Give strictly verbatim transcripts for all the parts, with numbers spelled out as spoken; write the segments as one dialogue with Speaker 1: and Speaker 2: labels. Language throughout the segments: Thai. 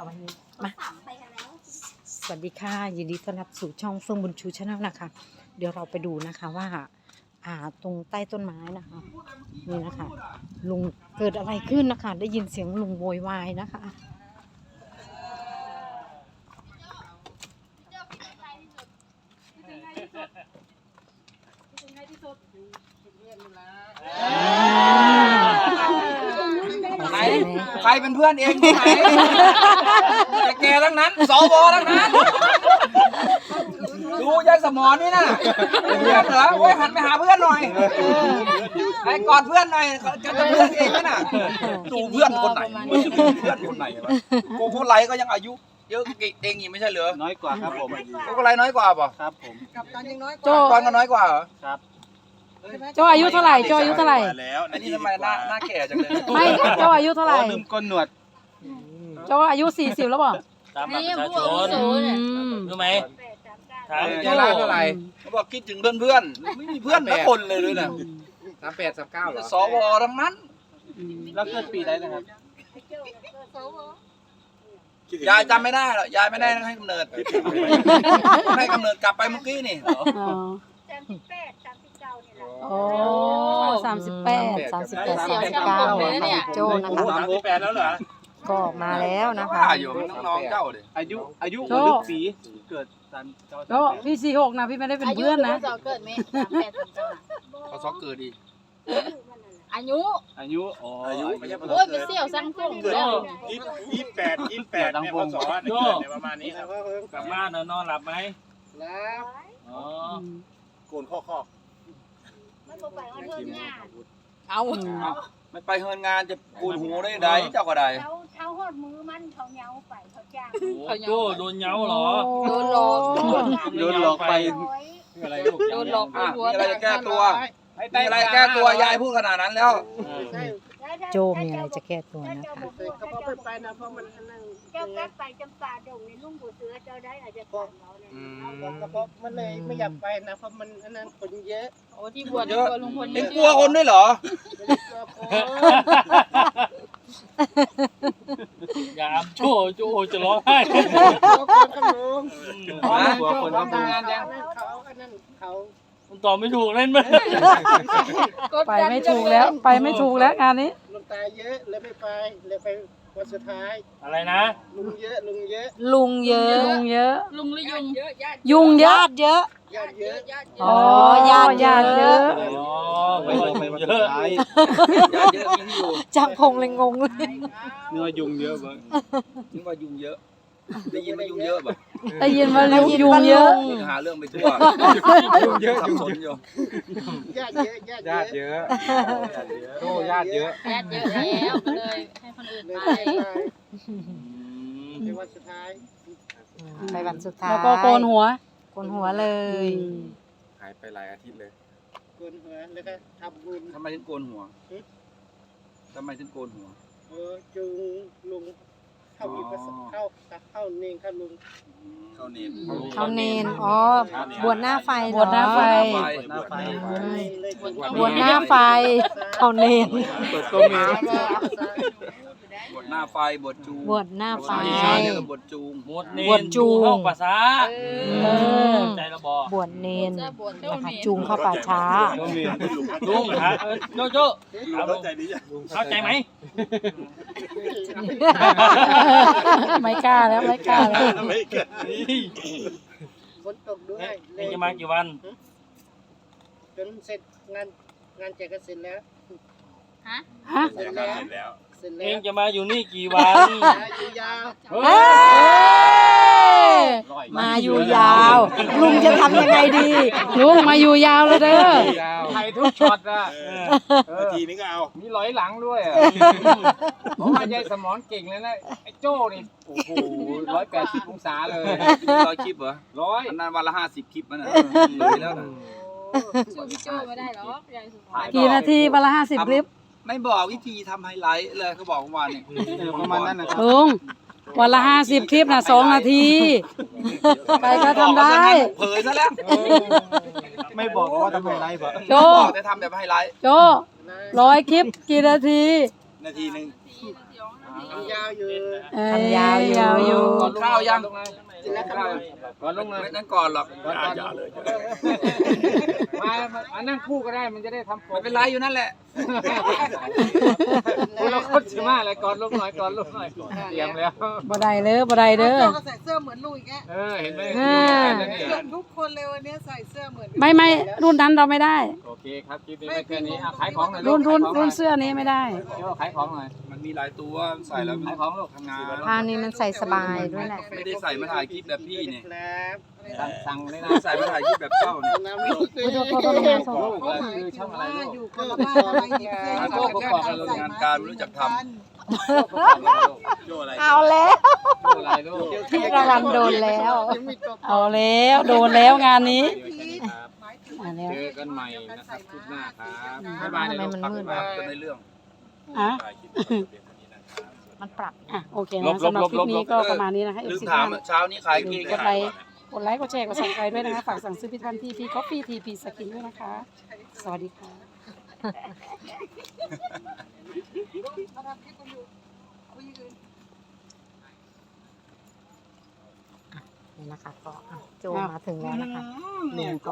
Speaker 1: เอาวันนี้มาสวัสดีค่ะยินดีต้อนรับสู่ช่องเฟื่องบุญชูชาแนลนะคะเดี๋ยวเราไปดูนะคะว่าอ่าตรงใต้ต้นไม้นะคะนี่นะคะลุงเกิดอะไรขึ้นนะคะได้ยินเสียงลุงโวยวายนะคะ
Speaker 2: ไหนใครเป็นเพื่อนเองที่ไหนแต่แกทั้งนั้นสวทั้งนั้นดูยายสมอนนี่นะเป็นเพื่อนเหรอโอ้ยหันไปหาเพื่อนหน่อยไอ้กอดเพื่อนหน่อยจะเป็นเพื่อนเองไหมน่ะดูเพื่อนคนไหนเพื่อนคนไหนวะโกโก้ไลก็ยังอายุเยอะเองอีกไม่ใช่เหรอ
Speaker 3: น้อยกว่าครับผม
Speaker 2: โกโก้ไลน้อยกว่าป่ะ
Speaker 3: ครับผม
Speaker 4: กับตันยังน้อยก
Speaker 1: โจ
Speaker 4: ว่า
Speaker 2: ตอนก็น้อยกว่าเหรอ
Speaker 3: ครับ
Speaker 1: โจอายุเท่าไหร่โจอายุเท่าไหร่
Speaker 3: แล้ว
Speaker 2: อันนี้ทำไมหน้าหน้าแก่จังเลย
Speaker 1: ไม่โจอายุเท่าไหร่
Speaker 3: ลืมก้นหนวด
Speaker 1: โจอายุสี่สิบแล้วเปล่า
Speaker 5: ตามบัตรประชาชน
Speaker 1: อืม
Speaker 5: รู้ไหมถาม
Speaker 2: ยายล่าเท่าไหร่เขาบอกคิดถึงเพื่อนเพื่อนไม่มีเพื่อนสักคนเลยเลยนะ
Speaker 6: สามแปดสามเก้าเหรอ
Speaker 2: สวทั้งนั้น
Speaker 3: แล้วเกิดปีได้นะครับ
Speaker 2: ยายจำไม่ได้หรอกยายไม่ได้ให้กำเนิดให้กำเนิดกลับไปเมื่อกี้นี่
Speaker 1: อ๋อโอ้สามสิบแปดสามสิบแปดสามสิบเก้านะคะโจนะคะ
Speaker 3: สามสิบแปดแล้วเหรอ
Speaker 1: ก็มาแล้วนะคะ
Speaker 2: ว่าอยู่มันน้องๆเจ้าดิ
Speaker 3: อายุอายุ
Speaker 1: โจ้
Speaker 3: หัวลึกปีเกิดตามเจ้า
Speaker 1: โจพี่สี่หกนะพี่ไม่ได้เป็นเพื่อนนะ
Speaker 4: อายุเกิดไหมสามแปดสามเก้า
Speaker 2: เขาซอกเกิดดี
Speaker 4: อายุ
Speaker 3: อายุอ๋ออายุไม่ใช่
Speaker 4: โอ้ยไปเสี่ยวสร้างทุ่งแล้ว
Speaker 7: ยี่สิบแปดยี่สิบแปดเนี่ยพศเนี่ยเกิดในประมาณนี้ครับ
Speaker 5: กลับบ้านนอนหลับไหม
Speaker 4: แล้ว
Speaker 5: อ๋อ
Speaker 7: โกนข้อข้อ
Speaker 4: เอา
Speaker 2: ไม่ไปเฮินงานจะกูนหูได้ไดเจ้าก็ได้
Speaker 8: เขาเขาหดมือมันเขาเหนียวไปเขาจ้าง
Speaker 5: โอ้โจ้โดนเหงาเหรอ
Speaker 4: โดนหลอก
Speaker 3: โดนหลอกไป
Speaker 5: อะไรลูก
Speaker 4: โดนหลอก
Speaker 2: อ่ะมีอะไรจะแก้ตัวมีอะไรแก้ตัวยายพูดขนาดนั้นแล้ว
Speaker 1: โจมีอะไรจะแก้ตัวนะคะ
Speaker 4: เขาบอกไปนะเพราะมันนั่ง
Speaker 8: เจ้ากลับไปจำปาดงในลุงบัวเสือเจ้าได้อาจจะฟังเราเนี่ย
Speaker 4: กระเพาะมันเลยไม่อยากไปนะเพราะมันอันนั้นคนเยอะโอ้ที่บวช
Speaker 2: เยอะ
Speaker 4: ลุงพล
Speaker 2: เอ็งกลัวคนด้วยเหรอ
Speaker 5: อย่าอำโจ้โจ้จะร้องไห้
Speaker 3: หัวคนก็บูม
Speaker 4: เขาอันนั้นเขา
Speaker 5: มันตอบไม่ถูกเล่นไหม
Speaker 1: ไปไม่ถูกแล้วไปไม่ถูกแล้วงานนี้
Speaker 4: ลุงตาเยอะเลยไม่ไปเลยไปวันสุดท้าย
Speaker 5: อะไรนะ
Speaker 4: ลุงเยอะลุงเยอะ
Speaker 1: ลุงเยอะลุงเยอะ
Speaker 4: ลุงหรือยุงเยอะญาติ
Speaker 1: ยุงเยอะเยอะ
Speaker 4: ญาติเยอะญาติเย
Speaker 1: อ๋อ
Speaker 4: อะ
Speaker 1: ญาติญาติเยอะ
Speaker 5: อ๋อ
Speaker 3: ไป
Speaker 5: ไป
Speaker 3: ไป
Speaker 5: เย
Speaker 3: วันสุ
Speaker 5: อะ
Speaker 3: ดท้าย
Speaker 2: ยาเยอะยิ่งอยู่
Speaker 1: จังพงเลยงงเลย
Speaker 3: เนื้อยุงเยอะบ้าง
Speaker 2: นึกว่ายุงเยอะได้ยินว่ายุงเยอะแบบ
Speaker 1: ได้ยินว่ายุงเยอะ
Speaker 2: หาเรื่องไปทั่วยุงเยอะสับสนอยู่
Speaker 4: ญาติเยอะญาติ
Speaker 6: ญาติ
Speaker 4: เย
Speaker 6: เย
Speaker 4: อะ
Speaker 6: อะโตญาติเยอะ
Speaker 4: ญาติเยอะแล้วก็เลยให้คนอื่นไปในวันสุดท้าย
Speaker 1: ไปวันสุดท้าย
Speaker 9: แล้วก็โกนหัว
Speaker 1: โกนหัวเลย
Speaker 6: หายไปหลายอาทิตย์เลย
Speaker 4: โกนหัวแล้วก็ทำบุญ
Speaker 2: ทำไมถึงโกนหัวทำไมถึงโกนหัว
Speaker 4: เออจูงลุงเข้ามีประสบเข้าเข้าเนงเข้าลุง
Speaker 2: เข้าเนม
Speaker 1: เขาเนนอ๋อ บวชหน้าไฟเหรอบ
Speaker 9: วชหน้าไฟ
Speaker 3: หน้าไฟ
Speaker 4: เลยบวช
Speaker 1: บวชหน้าไฟเขาเนน
Speaker 3: เปิดตัวเมีย
Speaker 2: บทหน้าไฟบทจูง
Speaker 1: บวชหน้าไฟ
Speaker 2: ชาเนี่ยบทจูง
Speaker 5: หมดเน
Speaker 1: บวชจูง
Speaker 5: ห้องภาษา
Speaker 1: เออ
Speaker 5: ใจระบอก
Speaker 1: บวชเนนนะคะจูงเข้าป่าช้า
Speaker 3: ตัวเมีย
Speaker 5: ลุงฮะเออโจ้โจ้เอาลุง
Speaker 7: ใจดีจ้ะ
Speaker 5: เข้าใจไหม
Speaker 9: ไม่กล้าแล้วไม่กล้าแล้ว
Speaker 7: ไม่เกิด
Speaker 4: ฝนตกด้วย
Speaker 5: เองจะมากี่วัน
Speaker 4: จนเสร็จงานงานแจกก็เสร็จแล้ว
Speaker 9: ฮะ
Speaker 4: เสร็จแล้ว
Speaker 7: เสร็จแล้ว
Speaker 4: เสร็จ
Speaker 5: เอ
Speaker 4: แล้ว
Speaker 5: งจะมาอยู่นี่กี่วัน
Speaker 4: อยู่ยาว
Speaker 5: เฮ้
Speaker 1: เอ้
Speaker 5: ย
Speaker 1: ยมาอยู่ยาว ลุงจะทำยังไงดี
Speaker 9: ลุงมาอยู่ยาวเลยเด้อ
Speaker 6: ยาว
Speaker 3: ไทยทุกช็อตอ่ะ
Speaker 7: นาทีนี้ก็เอา
Speaker 3: มีร้อยหลังด้วยอ่ะผมว่ายายสมอนเก่งเลยนะไอ้โจ้นี่โอ้โหร้อยแปดสิบองศาเลย
Speaker 2: ร้อยคลิปเหรอ
Speaker 3: ร้อย
Speaker 2: อันนั้นวันละห้าสิบคลิปมันน่ะเลยแล้วนะ
Speaker 4: สู้พี่โจ้ไม่ได้หรอกยายสุภาพ
Speaker 9: กี่นาทีวันละห้าสิบคลิป
Speaker 2: ไม่บอกวิธีทำไฮไลท์เลยเขาบอกเมื่อวานเนี่ย
Speaker 3: เออประมาณนั้นนะครับ
Speaker 9: ลุงวันละห้าสิบคลิปนะสองนาที ไปก็ทำได้
Speaker 2: เผยซะแล้ว
Speaker 3: ไม่บอกว่าทำไมไลฟ์อ่ะ
Speaker 9: โจ
Speaker 2: บอกแต่ทำแบบไฮไลท์
Speaker 9: โจร้อยคลิปกี่นาที
Speaker 2: นาทีหนึ่ง
Speaker 3: อ
Speaker 4: ทำยาวอยู่
Speaker 9: เอ้ย
Speaker 1: ทำยาวอยู่
Speaker 9: ยาวอยู่
Speaker 2: ก่อนข้าวยัง
Speaker 4: กินแล้วครับ
Speaker 3: ก่อนลงเลย
Speaker 2: ไม่นั่นก่อนหรอก
Speaker 3: ก่อนก่อนเลยมามานั่งคู่ก็ได้มันจะได้ทำผม
Speaker 2: ไม่เป็นไรอยู่นั่นแหละ
Speaker 3: คนละคนใช่ไหมอะไรก่อนลงหน่อยก่อนลงหน่อยเตรียมแล้ว
Speaker 9: บ่ได้เด้อบ่ได้เด้อ
Speaker 10: ก็ใส่เสื้อเหมือนลุงอีกแก
Speaker 3: เออเห็นไหม
Speaker 9: อ่า
Speaker 10: ทุกคนเลยวันนี้ใส่เสื้อเหมือน
Speaker 9: ไม่ไม่รุ่นนั้นเราไม่ได้
Speaker 3: โอเคครับคลิปนี้ไว้แค่นี้อ่ะขายของหน่อย
Speaker 9: รุ่นรุ่น
Speaker 3: ขายของห
Speaker 9: รุ่
Speaker 3: อน ย
Speaker 9: เสื้อนี้ไม่ได้
Speaker 3: โจ้ขายของหน่อย
Speaker 2: มันมีหลายตัวใส่แล้ว
Speaker 3: ขายของลูก
Speaker 2: ทำงาน
Speaker 1: ผ้านี้มันใส่สบายด้วยแหละ
Speaker 2: ไม่ได้ใส่มาถ่ายคลิปแบบพี่นี่
Speaker 4: ครับ
Speaker 3: สั่งสั่งเลยนะ
Speaker 2: ใส่มาถ่ายคลิปแบบเจ้านี่
Speaker 4: น้ำลูก
Speaker 1: โทษโทษโทษโทษโทษ
Speaker 3: ลูกก็คือช่องอะไรลูก
Speaker 10: อยู่คนละบ้านอะไรอีกเสื้อ
Speaker 2: โจ้ก็บอกให้เรางานการไม่รู้จักท
Speaker 3: โจ้อะไร
Speaker 1: เอาแล้ว
Speaker 3: โจ้อะไรลูก
Speaker 1: พี่ระวันโดนแล้ว
Speaker 4: ยังมีตัว
Speaker 9: เอาแล้วโดนแล้วงานนี้
Speaker 3: ครับ
Speaker 9: อ่ะแล้ว
Speaker 3: เจอกันใหม่นะครับคลิปหน้าครับบ๊ายบาย
Speaker 1: ทำไมมันมืด
Speaker 2: ำ
Speaker 1: วะ
Speaker 2: ก็ในเรื่อง
Speaker 9: อ่ะ
Speaker 2: ถ่ายคลิปแบบเดียวกันนี้นะครับ
Speaker 1: มันปรับ
Speaker 9: อ่ะโอเคนะสำหรับคลิปนี้ก็ประมาณนี้นะคะ
Speaker 2: ลืม
Speaker 9: เอฟซี
Speaker 2: ถามเช้านี้ขายกี่
Speaker 9: กดไลค์กดไลค์กดแชร์กดสั่งใจด้วยนะคะฝากสั่งซื้อพิทันทีพีคอฟฟี่ทีพีสกินด้วยนะคะ สวัสดีค่ะ
Speaker 1: นี่นะคะก็อ่ะโจมาถึงแล้วนะคะลุงก็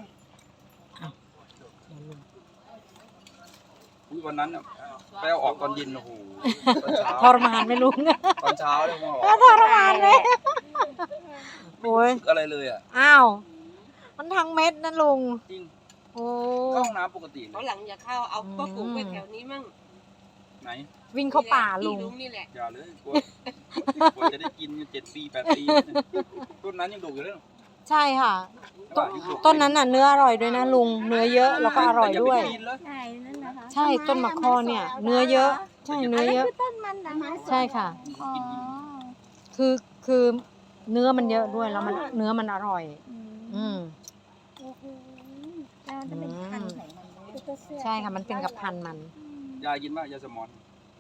Speaker 2: อุ๊ยวันนั้นน่ะไปเอาออกตอนเย็นโอ้โหตอนเช้า
Speaker 1: ทรมานไหมลุง
Speaker 2: ตอนเช้าเลยว่าออก
Speaker 1: ทรมานเลยโอ้ย
Speaker 2: อะไรเลยอ่ะ
Speaker 1: อ้าว มันทั้งเม็ดนะลุง
Speaker 2: จริง
Speaker 1: โอ้
Speaker 2: เข้าห้องน้ำปกติเล
Speaker 10: เขา
Speaker 2: ย
Speaker 10: หลังอย่าเข้าเอาก็ฝูงไปแถวนี้มั่ง
Speaker 2: ไหน
Speaker 1: วิ่งเข้าป่าลุง
Speaker 10: ลุงนี่แหละ
Speaker 2: อย่าเลยกลัวกลัวจะได้กินเจ็ดปีแปดปีต้นนั้นยังดุอยู่เลย
Speaker 1: ใช่ค่ะ
Speaker 2: ต้
Speaker 1: ต้นนั้นน่ะเนื้ออร่อยด้วยนะลุง เนื้อเยอะแล้วก็อร่อยด้วย
Speaker 8: ใช่นั่นนะคะ
Speaker 1: ใช่ต้นมะคอเนี่ย เนื้อเยอะ ใช่เนื้อเยอะ
Speaker 8: ต้นมันนะคะ
Speaker 1: ใช่ค่ะ
Speaker 8: อ๋อ
Speaker 1: คือคือเนื้อมันเยอะด้วยแล้วมันเนื้อมันอร่อย อืม
Speaker 8: โอ้โหแล้วมันจะเป็นพันธุ์ไหนมันคือตัวเสื้อ
Speaker 1: ใช่ค่ะมันเป็นกับพันธุ์มัน
Speaker 2: ยายกินป่ะยาสมอน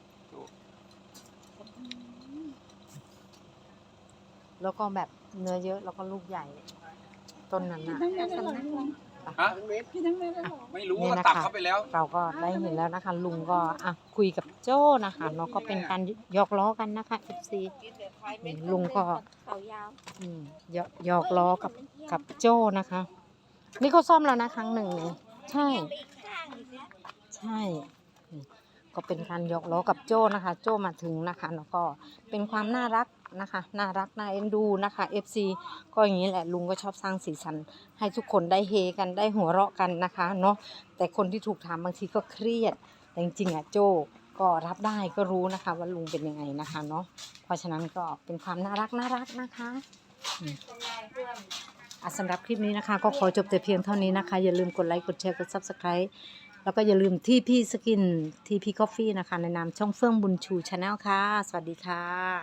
Speaker 1: แล้วก็แบบเนื้อเยอะแล้วก็ลูกใหญ่ ต้นนั้นน่ะ
Speaker 2: ฮะไม่รู้ว่าตัดเข้าไปแล้ว
Speaker 1: เราก็ได้เห็นแล้วนะคะ ลุงก็อ่ะคุยกับโจ้นะคะเนาะก็เป็นการหยอกล้อกันนะคะ เอฟ ซี ลุงก็
Speaker 8: เขายาว
Speaker 1: อืมหยอกหยอกล้อกับกับโจ้นะคะ นี่เขาซ่อมแล้วนะครั้งหนึ่งนี่ใช่ ใช่นี่ก็เป็นการหยอกล้อกับโจ้นะคะ โจ้มาถึงนะคะแล้วก็เป็นความน่ารักนะคะ น่ารักน่าเอ็นดูนะคะ เอฟ ซี ก็อย่างนี้แหละลุงก็ชอบสร้างสีสันให้ทุกคนได้เฮกันได้หัวเราะกันนะคะเนาะแต่คนที่ถูกถามบางทีก็เครียดแต่จริงๆอ่ะโจ้ก็รับได้ก็รู้นะคะว่าลุงเป็นยังไงนะคะเนาะเพราะฉะนั้นก็เป็นความน่ารักน่ารักนะคะอืมอ่ะสำหรับคลิปนี้นะคะ ก็ขอจบแต่เพียงเท่านี้นะคะ อย่าลืมกดไลค์กดแชร์กด ซับสไครบ์ แล้วก็อย่าลืมทีพีสกินทีพีกาแฟนะคะในนามช่องเฟื่องบุญชูชาแนลค่ะ สวัสดีค่ะ